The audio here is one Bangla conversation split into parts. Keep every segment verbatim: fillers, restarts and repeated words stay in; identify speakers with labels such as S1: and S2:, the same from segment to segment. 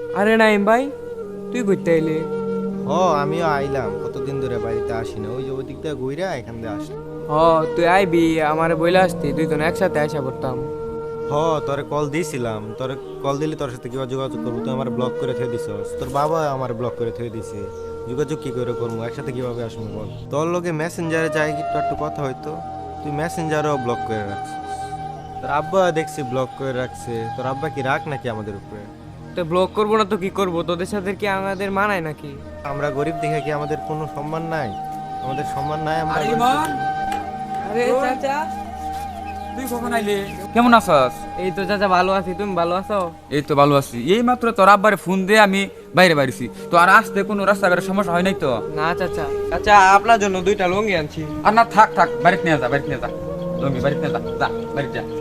S1: আরে নাইম ভাই, তুই ঘুরতে এলি?
S2: হ আমিও আইলাম, কতদিন ধরে বাড়িতে আসি না, ওই যে ওই দিক দিয়ে ঘুরে এখান দিয়ে আসলাম।
S1: হ, তুই আইবি আমারে বইলা আসতি, দুইজন একসাথে আইসা পড়তাম।
S2: হ তোরে কল দিয়েছিলাম, তোরে কল দিলে তোর সাথে কিবা যোগাযোগ করবো, তুই আমার ব্লক করে থয়ে দিছস, তোর বাবা আমার ব্লক করে থয়ে দিছে। যোগাযোগ কি করে করবো, একসাথে কিভাবে আসবো বল? তোর লোকে মেসেঞ্জারে যাই একটু একটু কথা হইতো, তুই মেসেঞ্জারও ব্লক করে রাখছিস। তোর আব্বা দেখছি ব্লক করে রাখছে, তোর আব্বা কি রাখ নাকি আমাদের উপরে?
S1: তো ব্লক করবো না তো কি করবো? তোদের সাথে কি আমাদের মানায় নাকি?
S2: আমরা গরিব দেখে কি আমাদের কোনো সম্মান নাই? আমাদের সম্মান নাই আমরা
S3: আরে
S2: গরিব
S3: ইমন,
S2: দেখে?
S1: আরে চাচা,
S3: তুই কখন আইলি? কেমন আছস?
S1: এই তো চাচা ভালো আছি, তুমি ভালো আছো?
S3: এই তো ভালো আছি। এই মাত্র তোর আব্বারে ফোন দিয়ে আমি বাইরে বাড়িছি। তো আর আসতে কোনো রাস্তাঘাটের সমস্যা হয় নাই তো?
S1: না চাচা, চাচা আপনার জন্য দুইটা লুঙ্গি আনছি।
S3: আর না, থাক থাক, বাড়িতে নিয়ে যা, বাড়িতে নিয়ে যা। লঙ্গি বাড়িতে নিয়ে যা, যা বাড়িতে যা।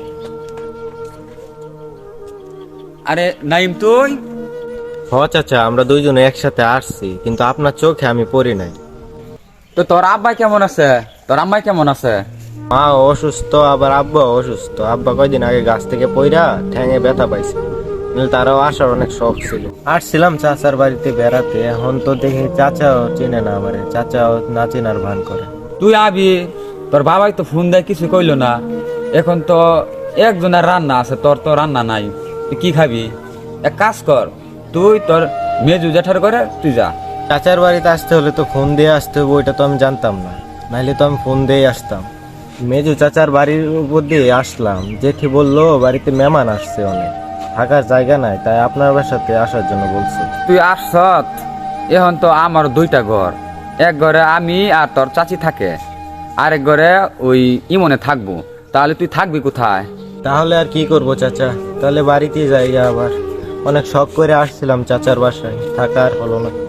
S3: আরে নাইম, তুই?
S2: হ চাচা, আমরা দুইজনে একসাথে আসছি, কিন্তু আপনার চোখে আমি পড়ি নাই।
S3: তো তোর আব্বা কেমন আছে? তোর আম্মা কেমন আছে?
S2: মা অসুস্থ, আবার আব্বা অসুস্থ। আব্বা কয়দিন আগে গাছ থেকে পইরা ঠ্যাঙে ব্যথা পাইছে, কিন্তু তারাও আসার অনেক শখ ছিল। আসছিলাম চাচার বাড়িতে বেড়াতে, এখন তো দেখি চাচাও চেনে না আমারে, চাচাও না চেনার ভান করে।
S3: তুই আবি, তোর বাবাই তো ফোন দেয় কিছু কইলো না। এখন তো একজনের রান্না আছে, তোর তো রান্না নাই। তুই কি খাবি? এক কাজ কর, তুই তোর মেজু জেঠার করে তুই যা।
S2: চাচার বাড়িতে আসতে হলে তো ফোন দিয়ে আসতে হবে, ওইটা তো আমি জানতাম না, নাইলে তো আমি ফোন দিয়ে আসতাম। মেজু চাচার বাড়ির উপর দিয়ে আসলাম, জেঠি বললো বাড়িতে মেহমান আসছে অনেক, থাকার জায়গা নাই, তাই আপনার বাসাতে আসার জন্য বলছে।
S3: তুই আসছত, এখন তো আমার দুইটা ঘর। এক ঘরে আমি আর তোর চাচি থাকে, আরেক ঘরে ওই ইমনে থাকবো। তাহলে তুই থাকবি কোথায়?
S2: তাহলে আর কি করব চাচা, তাহলে বাড়িতেই যাই আবার। অনেক শখ করে আসছিলাম চাচার বাসায়, থাকার হলো না।